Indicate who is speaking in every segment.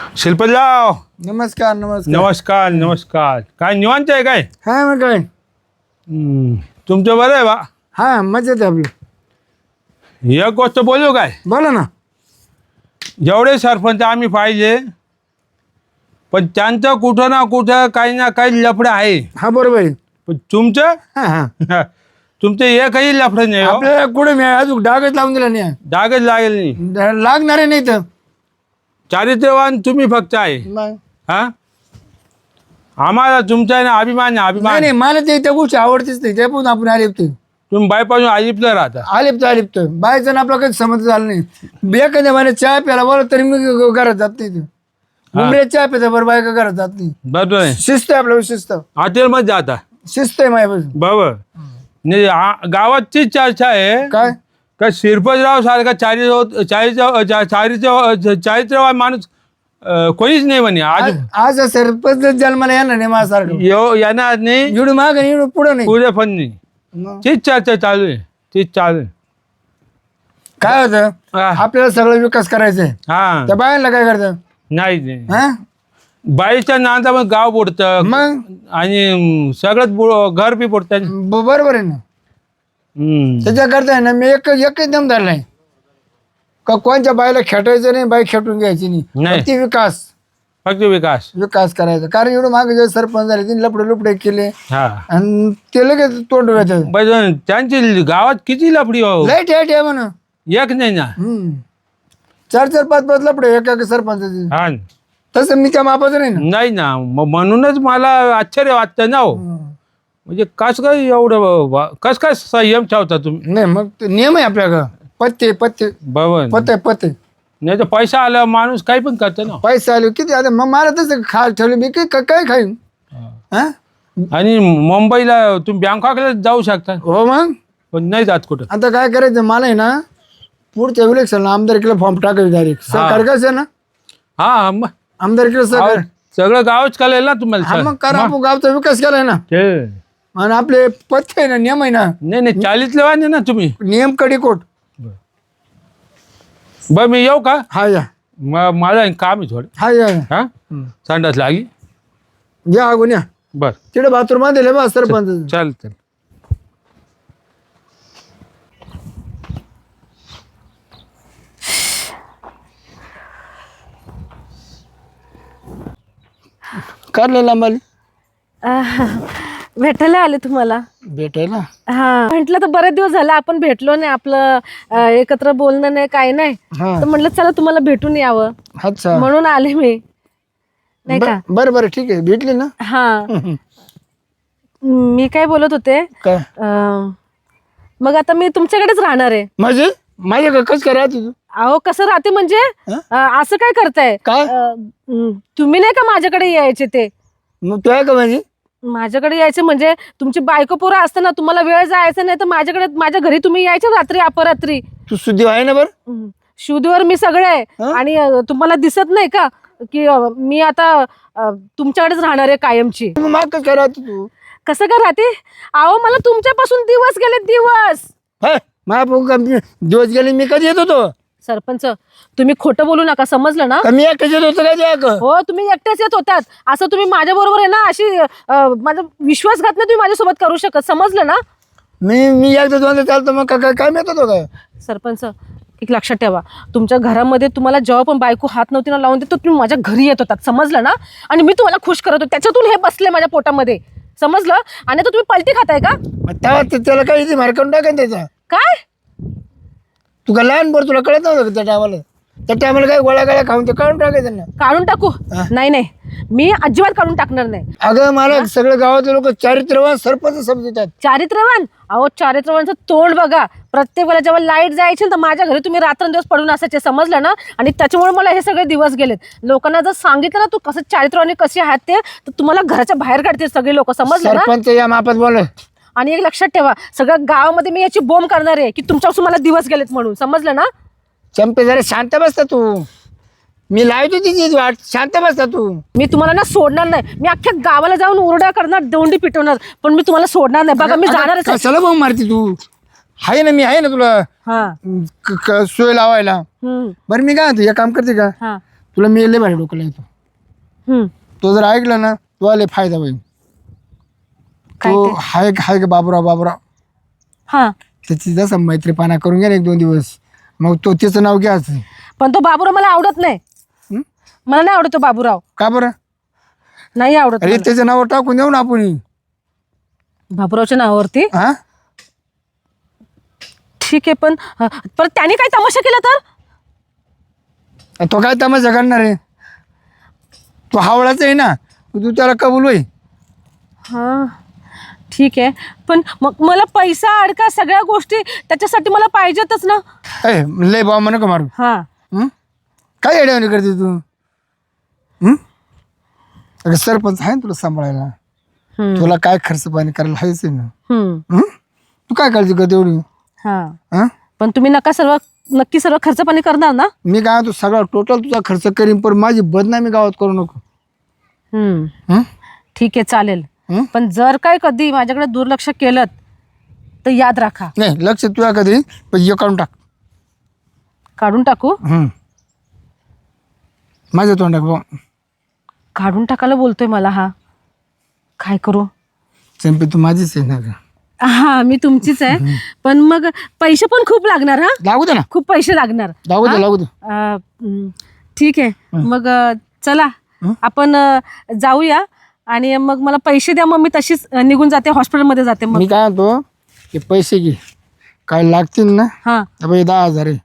Speaker 1: शिल्पतराव,
Speaker 2: नमस्कार नमस्कार.
Speaker 1: नमस्कार नमस्कार. काय निवांत आहे काय?
Speaker 2: हा मग काय.
Speaker 1: तुमचं बरं आहे बा?
Speaker 2: हा मजेत आहे आपलं.
Speaker 1: एक गोष्ट बोलू काय?
Speaker 2: बोला ना.
Speaker 1: जेवढे सरपंच आम्ही पाहिजे, पण त्यांचं कुठं ना कुठं काही ना काही लफडं आहे.
Speaker 2: हा बरोबर आहे.
Speaker 1: पण तुमचं
Speaker 2: हा हा
Speaker 1: तुमचं एकही लफडं नाही हो.
Speaker 2: आपल्याला कुठे मी अजून डागच लावून दिला नाही.
Speaker 1: डागच लागेल नाही.
Speaker 2: लागणार आहे नाही तर
Speaker 1: चारित्र्यवान तुम्ही फक्त आहे.
Speaker 2: नाही
Speaker 1: हा, आम्हाला तुमचा आहे ना अभिमान आहे, अभिमान.
Speaker 2: नाही मला ते त्या गोष्टी आवडतेच नाही. ते पण आपण आलिपतो
Speaker 1: तुम्ही बायपासून अजिबलं राहता.
Speaker 2: आलिपतो बायचं आपलं काही समज झालं नाही. एखाद्या मला चहा प्यायला बोला तरी मी घरात जात नाही. मुंबईला चहा पिता बरं बायका घरात जात नाही.
Speaker 1: बरोबर आहे.
Speaker 2: शिस्त आहे आपल्याला शिस्त.
Speaker 1: हॉटेलमध्ये जाता.
Speaker 2: शिस्त आहे माझ्यापासून.
Speaker 1: बरोबर. नाही गावातची चर्चा आहे
Speaker 2: काय
Speaker 1: का शिरपतराव सारखा चारित्र्यवान माणूस कोणीच नाही म्हणे. आज
Speaker 2: आज सरपंच जन्माला येणार नाही माझ्यासारखं.
Speaker 1: येणार नाही,
Speaker 2: एवढं माग आणि एवढं पुढं नाही.
Speaker 1: पुढे पण नाही.
Speaker 2: मग
Speaker 1: तीच चर्चा चालू आहे, तीच चालू आहे.
Speaker 2: काय होतं
Speaker 1: हा.
Speaker 2: आपल्याला सगळं विकास करायचा आहे.
Speaker 1: हा,
Speaker 2: त्या बायांना काय करतं
Speaker 1: नाही नाही.
Speaker 2: हा
Speaker 1: बाईच्या नांदा मग गाव बुडतं
Speaker 2: मग
Speaker 1: आणि सगळंच घर बी बुडतं.
Speaker 2: बरोबर आहे ना. त्याच्याकरता आहे ना मी एकच दम धरलाय का कोणत्या बाईला खेटायचं नाही, बाई खेटून घ्यायची
Speaker 1: नाही.
Speaker 2: नाही. ती विकास
Speaker 1: फक्त विकास.
Speaker 2: करायचा. कारण एवढं मागे जे सरपंच झाले तिने लपडे केले
Speaker 1: हा,
Speaker 2: आणि ते लगेच तोंड व्हायचं.
Speaker 1: पण त्यांची गावात किती लफडी हो.
Speaker 2: लाईट आहे म्हणून
Speaker 1: एक नाही ना.
Speaker 2: 4 5 लपडे एका सरपंचाचे.
Speaker 1: हा,
Speaker 2: तसं मी त्या मापाचं नाही ना.
Speaker 1: नाही ना. म्हणूनच मला आश्चर्य वाटतं ना हो. म्हणजे कस काय एवढं कस काय संयम ठेवता तुम्ही?
Speaker 2: नाही मग ते नियम आहे आपल्याकडं. पत्ते
Speaker 1: बरोबर.
Speaker 2: पत्ते
Speaker 1: नाही तर पैसा आला माणूस काही पण करतो ना.
Speaker 2: पैसे आले किती आता मग मला तसं ठेवलं मी काय खाईन. हा
Speaker 1: आणि मुंबईला तुम्ही बँकॉकला जाऊ शकता,
Speaker 2: हो मग
Speaker 1: पण नाही जात कुठं.
Speaker 2: आता काय करायचं मला आहे ना पुढच्या इलेक्शन आमदारकीला फॉर्म टाकायचं डायरेक्ट. सहकार कसं आहे ना
Speaker 1: हा, मग
Speaker 2: आमदारकीला सहकार.
Speaker 1: सगळं गावच कळेल ना
Speaker 2: हा
Speaker 1: तुम्हाला.
Speaker 2: मग करा आपण गावचा विकास केलाय ना.
Speaker 1: ते
Speaker 2: आणि आपले पथ्य आहे ना नियम आहे ना.
Speaker 1: नाही चालीतले वाने ना तुम्ही.
Speaker 2: नियम कडीकोट.
Speaker 1: बरं मी येऊ का?
Speaker 2: हा या
Speaker 1: मला काम आहे थोडं.
Speaker 2: हा या
Speaker 1: हा, संडास लागी.
Speaker 2: या अगोन या.
Speaker 1: बर,
Speaker 2: तिकडे बाथरूम दिले बा सरपंच.
Speaker 1: चल.
Speaker 2: काढलं लांबाली
Speaker 3: भेटायला आले तुम्हाला.
Speaker 2: भेटायला.
Speaker 3: हा, म्हटलं तर बरेच दिवस झाले आपण भेटलो नाही, आपलं एकत्र बोलणं नाही, काही नाही.
Speaker 2: हा
Speaker 3: तर म्हटलं चला तुम्हाला भेटून यावं,
Speaker 2: अच्छा
Speaker 3: म्हणून आले मी, नाही का.
Speaker 2: बरं ठीक आहे भेटली ना.
Speaker 3: हा, मी काय बोलत होते,
Speaker 2: काय
Speaker 3: मग आता मी तुमच्याकडेच राहणार आहे.
Speaker 2: म्हणजे माझ्या कसं काय राहते तू?
Speaker 3: अहो कसं राहते म्हणजे असं काय करताय?
Speaker 2: काय
Speaker 3: तुम्ही नाही का माझ्याकडे यायचे ते?
Speaker 2: मग तू आहे का म्हणजे
Speaker 3: माझ्याकडे यायचं म्हणजे तुमची बायको पोरं असताना तुम्हाला वेळ जायचं नाही तर माझ्याकडे माझ्या घरी तुम्ही यायचे रात्री अपरात्री.
Speaker 2: तू सुद्धी आहे ना बरं.
Speaker 3: शुद्धीवर मी सगळे आहे आणि तुम्हाला दिसत नाही का की मी आता तुमच्याकडेच राहणार आहे कायमची.
Speaker 2: मग माग कसं काय राहते तू?
Speaker 3: कसं काय राहते? अहो मला तुमच्यापासून दिवस गेले दिवस.
Speaker 2: दिवस गेले मी कधी येत होतो?
Speaker 3: सरपंच तुम्ही खोटं बोलू नका, समजलं ना.
Speaker 2: मी एकटाच येत होतो काय?
Speaker 3: हो तुम्ही एकटेच येत होत्यात. असं तुम्ही माझ्या बरोबर आहे ना अशी माझा विश्वासघात नाही तुम्ही माझ्यासोबत करू शकत, समजलं ना.
Speaker 2: मी एकदा दोनदा चालतो मग काय मिळत होतो काय?
Speaker 3: सरपंच एक लक्षात ठेवा, तुमच्या घरामध्ये तुम्हाला जेव्हा पण बायको हात नव्हती ना लावून देत तुम्ही माझ्या घरी येत होतात, समजलं ना. आणि मी तुम्हाला खुश करत होते, त्याच्यातून हे बसले माझ्या पोटामध्ये, समजलं. आणि आता तुम्ही पलटी खाताय का?
Speaker 2: त्याला काही मार्कून टाकाय त्याचा
Speaker 3: काय?
Speaker 2: तू का लहान बरं तुला कळत नव्हतं त्या टायमाला काय गोळ्या खाऊन ते काढून टाकायचं ना.
Speaker 3: काढून टाकू? नाही मी अजिबात काढून टाकणार नाही.
Speaker 2: अगं मला सगळं गावातले लोक चारित्र्यवान सरपंच समजतात.
Speaker 3: चारित्र्यवान? अहो चारित्र्यवानचं तोंड बघा. प्रत्येक वेळेला जेव्हा लाईट जायची तर माझ्या घरी तुम्ही रात्रंदिवस पडून असायचे, समजलं ना. आणि त्याच्यामुळे मला हे सगळे दिवस गेलेत. लोकांना जर सांगितलं ना तू कसं चारित्र्यवानी कशी आहात ते, तर तुम्हाला घराच्या बाहेर काढतील सगळे लोक, समजलं ना.
Speaker 2: सरपंच या मापात बोल.
Speaker 3: आणि एक लक्षात ठेवा, सगळ्या गावामध्ये मी याची बोंब करणार आहे की तुमच्यापासून मला दिवस गेलेत म्हणून, समजलं ना.
Speaker 2: चंपे जरा शांत बसता तू. मी लावतो तिची वाट, शांत बसता तू.
Speaker 3: मी तुम्हाला ना सोडणार नाही. मी अख्ख्या गावाला जाऊन ओरडा करणार, दोंडी पिटवणार, पण मी तुम्हाला सोडणार नाही. बघा मी जाणारच आहे.
Speaker 2: कशाला बोंब मारती तू? आहे ना, मी आहे ना तुला
Speaker 3: हा
Speaker 2: सोय लावायला. बरं मी काय म्हणतो, एक काम करते का,
Speaker 3: हा
Speaker 2: तुला मी लय भारी डोकं येतो.
Speaker 3: हम्म.
Speaker 2: तो जर ऐकला ना तुला लय फायदा होईल.
Speaker 3: काय
Speaker 2: तो
Speaker 3: ते?
Speaker 2: हाय का बाबूराव
Speaker 3: हा.
Speaker 2: त्याची जसा मैत्रीपणा करून घ्या ना 1-2 दिवस, मग तो त्याचं नाव घ्यायचं.
Speaker 3: पण तो बाबूराव मला आवडत नाही.
Speaker 2: हं?
Speaker 3: मला नाही आवडत तो बाबूराव.
Speaker 2: का बरं?
Speaker 3: नाही आवडत
Speaker 2: अरे
Speaker 3: मला.
Speaker 2: त्याचं नाव टाकून देऊ ना आपण.
Speaker 3: बाबूरावच्या नावावरती.
Speaker 2: हा
Speaker 3: ठीक आहे, पण परत त्याने काय तमाशा केला तर?
Speaker 2: तो काय तमाशा करणार आहे? तो हावळाच आहे ना, तू त्याला कबूल होई.
Speaker 3: हा ठीक आहे, पण मग मला पैसा अडका सगळ्या गोष्टी त्याच्यासाठी मला पाहिजेतच ना.
Speaker 2: लय बाबा म्हणू का मारू.
Speaker 3: हा.
Speaker 2: हं? काय येड्यावानी करते तू? हं? अगं सरपंच आहे ना तुला सांभाळायला.
Speaker 3: हम्म.
Speaker 2: तुला काय खर्च पाणी करायला हायच आहे ना.
Speaker 3: हम्म.
Speaker 2: हं? तू काय काळजी करते एवढी?
Speaker 3: हा.
Speaker 2: हं?
Speaker 3: पण तुम्ही नक्की सर्व खर्च पाणी करणार ना?
Speaker 2: मी काय तू सगळा टोटल तुझा खर्च करीन, पण माझी बदनामी गावात करू नको. हं?
Speaker 3: ठीक आहे, चालेल.
Speaker 2: हं?
Speaker 3: पण जर काय कधी माझ्याकडे दुर्लक्ष केलं तर याद राखा.
Speaker 2: नाही लक्ष तुला कधी, पण हे काढून टाक.
Speaker 3: काढून टाकू?
Speaker 2: माझ्या तोंडाक बा.
Speaker 3: काढून टाकायला बोलतोय मला हा. काय करू?
Speaker 2: चंपी तू माझीच आहे ना गं.
Speaker 3: हा, मी तुमचीच आहे. पण मग पैसे पण खूप लागणार. हा,
Speaker 2: लागू दे ना,
Speaker 3: खूप पैसे लागणार.
Speaker 2: लागू दे लागू दे.
Speaker 3: ठीक आहे, मग चला आपण जाऊया आणि मग मला पैसे द्या. मग मी तशीच निघून जाते, हॉस्पिटलमध्ये जाते. मग
Speaker 2: मी काय म्हणतो, हे पैसे घे, काय लागतील ना.
Speaker 3: हा.
Speaker 2: 10,000 आहे.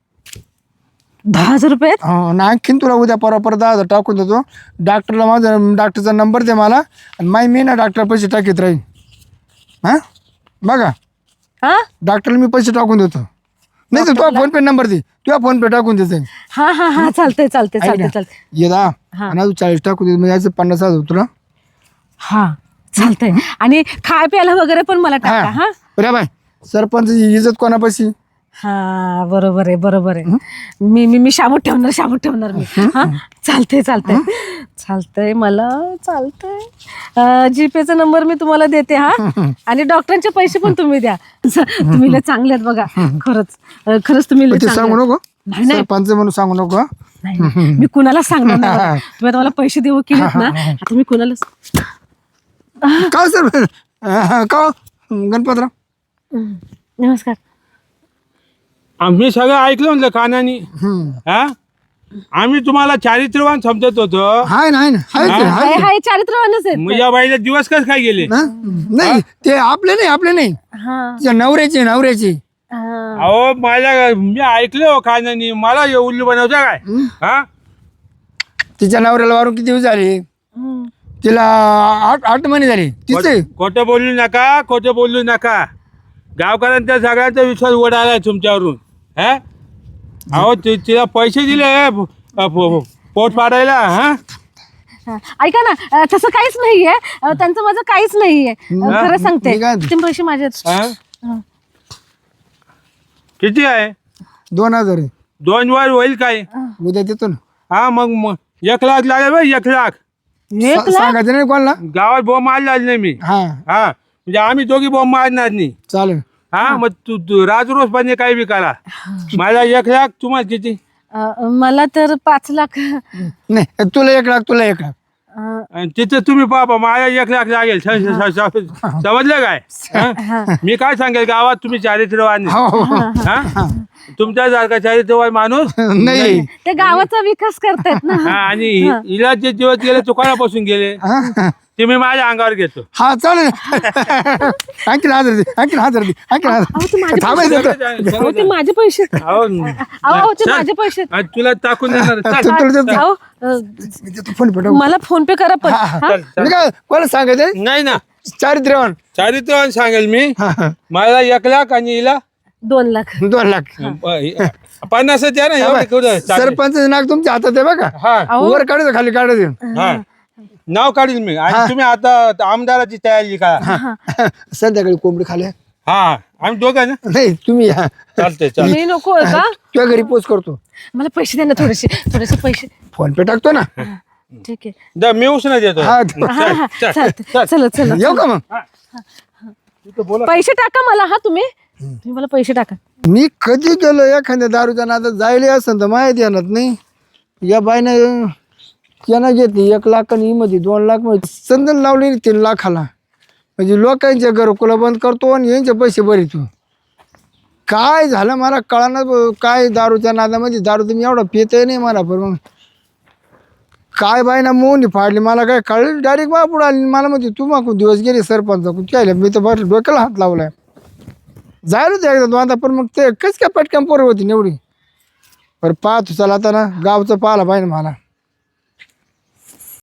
Speaker 3: 10,000 रुपये?
Speaker 2: हो ना, आणखीन तुला उद्या परत 10,000 टाकून देतो. डॉक्टरला माझा डॉक्टरचा नंबर दे मला, आणि मी ना डॉक्टर पैसे टाकीत राहील. हां बघा,
Speaker 3: हा
Speaker 2: डॉक्टरला मी पैसे टाकून देतो. नाही तर तुझा फोनपे नंबर दे, तुझा फोनपे टाकून देते.
Speaker 3: हा हा हा चालतंय चालतंय चालतंय चालतंय.
Speaker 2: ये दा आणि अजून 40 टाकून दे, म्हणजे याचं 50,000 तुला.
Speaker 3: हा चालतंय. आणि खाय प्यायला वगैरे पण मला टाका. हा
Speaker 2: बरं बाय, सरपंचची इज्जत कोणापाशी?
Speaker 3: हा बरोबर आहे बरोबर आहे. मी मी मी शाबूत ठेवणार मी. हा चालतंय चालतंय चालतंय, मला चालतंय. जीपेचा नंबर मी तुम्हाला देते. हा, आणि डॉक्टरांचे पैसे पण तुम्ही द्या. तुम्ही लय चांगले आहेत बघा. खरंच तुम्ही लय
Speaker 2: ते
Speaker 3: चांगले
Speaker 2: सांगू
Speaker 3: आहेत.
Speaker 2: नको,
Speaker 3: नाही नाही
Speaker 2: सरपंच म्हणून सांगू नको.
Speaker 3: नाही, मी कुणाला सांगणार नाही बघा. तुम्ही आता मला पैसे देऊ केलेत ना, आता मी कुणाला.
Speaker 2: का सर का गणपतराव?
Speaker 3: नमस्कार.
Speaker 1: आम्ही सगळं ऐकलं म्हणलं कानानी. हा, आम्ही तुम्हाला चारित्र्यवान समजत होतो.
Speaker 2: हाय ना हाय ना हाय ते, हाय
Speaker 3: हाय
Speaker 2: ते.
Speaker 3: हाय चारित्र्यवानच आहेत.
Speaker 1: मग या बाईला दिवस कस काय गेले?
Speaker 2: हा? नाही ते आपले नाही
Speaker 3: हा
Speaker 2: तिच्या नवऱ्याचे.
Speaker 3: हा.
Speaker 1: अहो मी ऐकलं हो कानानी. मला हे उल्लू बनवता काय? हा,
Speaker 2: तिच्या नवऱ्याला वारून किती दिवस झाले?
Speaker 3: हम्म.
Speaker 2: तिला 8 महिने झाले. तिचे
Speaker 1: खोटं बोलू नका. गावकऱ्यांच्या सगळ्यांचा विश्वास उडाला तुमच्यावरून. हा, अहो तिला पैसे दिले पोट पाडायला. हा,
Speaker 3: ऐका ना, तसं काहीच नाहीये. त्यांचं माझं काहीच नाहीये. खरं सांगते,
Speaker 2: मी काय-
Speaker 3: ते पैसे माझे आहेत.
Speaker 1: हा? किती आहे?
Speaker 2: 2,000 आहे.
Speaker 1: 2 वर होईल काय?
Speaker 2: उद्या देतो ना.
Speaker 1: हा, मग 1 लाख लागेल बाई. 1 लाख.
Speaker 3: 1 लाख?
Speaker 2: सांगायचं नाही कोणाला.
Speaker 1: गावात बॉम्ब मारला नाही मी.
Speaker 2: हा
Speaker 1: हा, म्हणजे आम्ही दोघी बॉम्ब मारणार नाही.
Speaker 2: चालेल.
Speaker 1: हा, मग तू राजरोज पाहिजे काही बी करा. मला 1 लाख, तुम्हाला किती?
Speaker 3: मला तर 5 लाख.
Speaker 2: नाही तुला 1 लाख, तुला 1 लाख.
Speaker 1: आणि तिथे तुम्ही पापा मला 1 लाख लागेल. समजलं काय? हा? मी काय सांगेल, गावात तुम्ही चारित्र्यवान आहे.
Speaker 2: हो हो.
Speaker 1: हा, तुमच्यासारखा चारित्र्यवान माणूस
Speaker 2: नाही
Speaker 3: ते गावाचा विकास करतायत ना.
Speaker 1: हा, आणि हिला जे दिवस गेले तो कोणापासून गेले ते मी माझ्या अंगावर घेतो.
Speaker 2: हा चालेल. आणखी 1,000 दे, आणखी 1,000 दे, आणखी 1,000.
Speaker 3: अहो, ते माझे
Speaker 2: थांबायचं
Speaker 3: पैसे.
Speaker 2: होतं.
Speaker 3: अहो, ते माझे पैसे.
Speaker 1: अहो,
Speaker 3: अहो, ते
Speaker 1: चल.
Speaker 3: माझे पैसे.
Speaker 1: आणि तुला टाकून देणार. चल.
Speaker 2: तुला देतो.
Speaker 3: अहो,
Speaker 2: मी देतो फोन पे टाकून.
Speaker 3: मला फोन पे करा पण. हा?
Speaker 1: चल, चल.
Speaker 2: मी काय कोणाला सांगायचं?
Speaker 1: नाही ना,
Speaker 2: चारित्र्यवान.
Speaker 1: चारित्र्यवान सांगेल मी.
Speaker 2: हा, हा.
Speaker 1: मला 1 लाख आणि हिला
Speaker 3: 2 लाख.
Speaker 2: 2 लाख.
Speaker 1: 50 द्या ना. एवढे कुठं चालेल.
Speaker 2: सरपंच नाक तुमच्या हातात आहे बघा.
Speaker 1: हा,
Speaker 3: अहो,
Speaker 2: वर काढायचं, खाली काढायचं.
Speaker 1: हा, नाव काढील मी. आणि तुम्ही आता आमदाराची तयारी करा.
Speaker 2: संध्याकाळी कोंबडी खाल्या.
Speaker 1: हा, आम्ही दोघं ना.
Speaker 2: नाही तुम्ही या.
Speaker 1: चालते चालते.
Speaker 3: मी नको आहे का?
Speaker 2: तुझ्या घरी पोच करतो.
Speaker 3: मला पैसे द्या ना, थोडेसे पैसे.
Speaker 2: फोन पे टाकतो ना.
Speaker 3: ठीक आहे.
Speaker 1: दा, मी उसना देतो.
Speaker 2: हा
Speaker 3: हा हा
Speaker 1: चल,
Speaker 3: चालतंय. चला
Speaker 2: येऊ का मग?
Speaker 3: पैसे टाका मला. हा, तुम्ही मला पैसे टाका.
Speaker 2: मी कधी गेलो एखाद्या दारूच्या नादात जायला असं तर माहिती येणार नाही. या बाईनं त्यांना घेतली 1 लाख आणि मध्ये 2 लाख मध्ये संदन लावली 3 लाखाला. म्हणजे लोकांच्या घरकुला बंद करतो आणि यांचे पैसे भरितो. काय झालं मला कळानं. काय दारूच्या नादामध्ये दारू तुम्ही एवढा पितही नाही मला. पण मग काय बाईना मोहनी फाडली मला काय कळलं. डायरेक्ट बा पुढे आली मला म्हणजे तू मागून दिवस गेले सरपंच काय मी तर बस डोक्याला हात लावलाय. जायला होते एकदा दोनदा पण मग ते कस काय पटकन पोरं होती निवडी. बरं पाहतो चला आता ना गावचं पाहिलं पाहिजे मला.